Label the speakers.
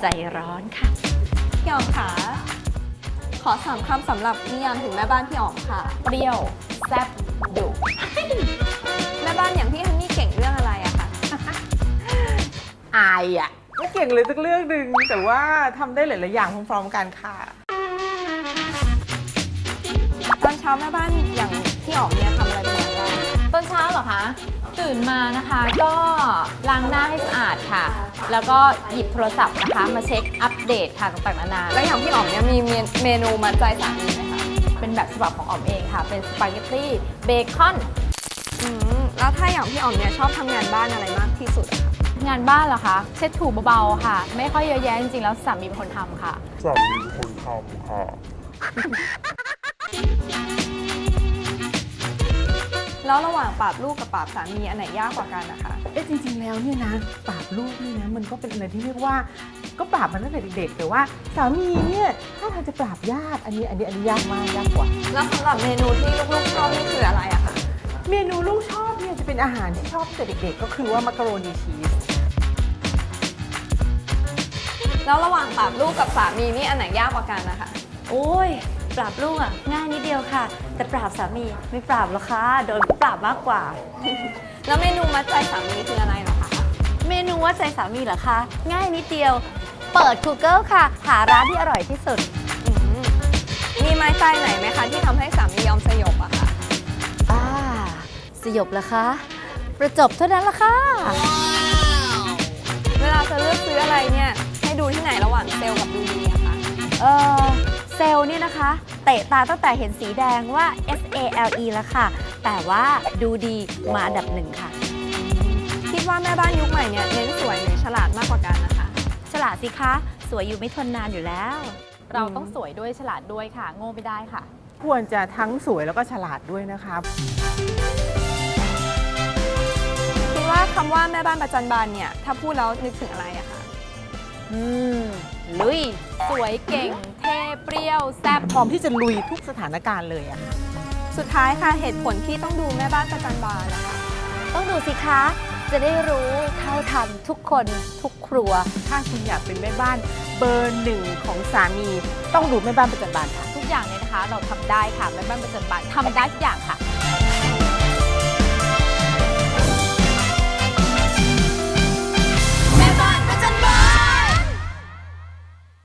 Speaker 1: ใจร้อนค่ะ
Speaker 2: พี่อ๋อมค่ะขอ3 คำสำหรับนิยามถึงแม่บ้านพี่อ๋อมค่ะ
Speaker 1: เปรี้ยวแซ่บดุ
Speaker 2: แม่บ้านอย่างพี่ฮันนี่เก่งเรื่องอะไรอะคะ
Speaker 3: อายอ่ะไม่เก่งเลยสักเรื่องหนึ่งแต่ว่าทำได้หลาย ๆ อย่างพร้อม ๆ กันค่ะ
Speaker 2: ตอนเช้าแม่บ้านอย่างพี่อ๋อมเนี่ยทำอะไรเป็นอย่างแรก
Speaker 1: ตอนเช้าเหรอคะ ตื่นมานะคะก็ล้างหน้าให้สะอาดค่ะ แล้วก็หยิบโทรศัพท์นะคะมาเช็คอัปเดตค่ะต่างๆนานา
Speaker 2: แล้วอย่างพี่อ๋อมเนี่ยมีเมนูมัดใจสามีไหมคะ
Speaker 1: เป็นแบบฉบับของอ๋อมเองค่ะ เป็นสปาเกตตี้เบคอน
Speaker 2: แล้วถ้าอย่างพี่อ๋อมเนี่ยชอบทำงานบ้านอะไรมากที่สุดอะคะ
Speaker 1: งานบ้านเหรอคะ เช็ดถูเบาๆค่ะ ไม่ค่อยเยอะแยะจริงๆแล้วสามีเป็นคนทำค่ะ
Speaker 4: สามีเป็นคนทำค่ะ
Speaker 2: แล้วระหว่างปราบลูกกับปราบสามีอันไหนยากกว่ากันนะคะ
Speaker 3: จริง ๆ แล้วเนี่ยนะปราบลูกนี่นะมันก็เป็นอะไรที่เรียกว่าก็ปราบมันตั้งแต่เด็ก ๆ แต่ว่าสามีเนี่ยถ้าทางจะปราบยากอันนี้ยากมากยากกว่า
Speaker 2: แล้วสำหรับเมนูที่ลูกๆชอบนี่คืออะไรอะคะ
Speaker 3: เมนูลูกชอบเนี่ยจะเป็นอาหารที่ชอบตั้งแต่เด็ก ๆ ก็คือว่ามักกะโรนีชีส
Speaker 2: แล้วระหว่างปราบลูกกับสามีนี่อันไหนยากกว่ากันนะคะ
Speaker 5: โอ้ยปราบลูกอ่ะง่ายนิดเดียวค่ะ แต่ปราบสามีไม่ปราบหรอกค่ะโดนปราบมากกว่า
Speaker 2: แล้วเมนูมัดใจสามีคืออะไรเหรอคะ
Speaker 5: เมนูว่าใจสามีเหรอคะง่ายนิดเดียว เปิด Google ค่ะ หาร้านที่อร่อยที่สุด
Speaker 2: อืมมีไม้ใจไหนไหมคะที่ทำให้สามียอมสยบอะคะ
Speaker 5: สยบเหรอคะ ประจบเท่านั้นละค่ะ
Speaker 2: เวลาจะเลือกซื้ออะไรเนี่ยให้ดูที่ไหนระหว่างเซลล์กับดูดีอะคะ
Speaker 5: เซลล์เนี่ยนะคะ เตะตาตั้งแต่เห็นสีแดงว่า SALE แล้วค่ะ แต่ว่าดูดีมาอันดับ 1 ค่ะ
Speaker 2: คิดว่าแม่บ้านยุคใหม่เนี่ยเน้นสวยหรือฉลาดมากกว่ากันนะคะ
Speaker 5: ฉลาดสิคะ สวยอยู่ไม่ทนนานอยู่แล้ว
Speaker 1: เราต้องสวยด้วยฉลาดด้วยค่ะ โง่ไม่ได้ค่ะ
Speaker 3: ควรจะทั้งสวยแล้วก็ฉลาดด้วยนะคะ
Speaker 2: คิดว่าคำว่าแม่บ้านประจันบานเนี่ยถ้าพูดแล้วนึกถึงอะไรอะคะ
Speaker 5: ลุย
Speaker 1: สวยเก่ง เท่เปรี้ยวแซ่บ
Speaker 3: พร้อมที่จะลุยทุกสถานการณ์เลยอะค่ะ
Speaker 2: สุดท้ายค่ะเหตุผลที่ต้องดูแม่บ้านประจันบานนะคะ
Speaker 5: ต้องดูสิคะ จะได้รู้เท่าทันทุกคนทุกครัว
Speaker 3: ถ้าคุณอยากเป็นแม่บ้านเบอร์ 1ของสามี ต้องดูแม่บ้านประจันบานค่ะ
Speaker 1: ทุกอย่างเนี่ยนะคะ เราทำได้ค่ะแม่บ้านประจันบานทำได้ทุกอย่างค่ะ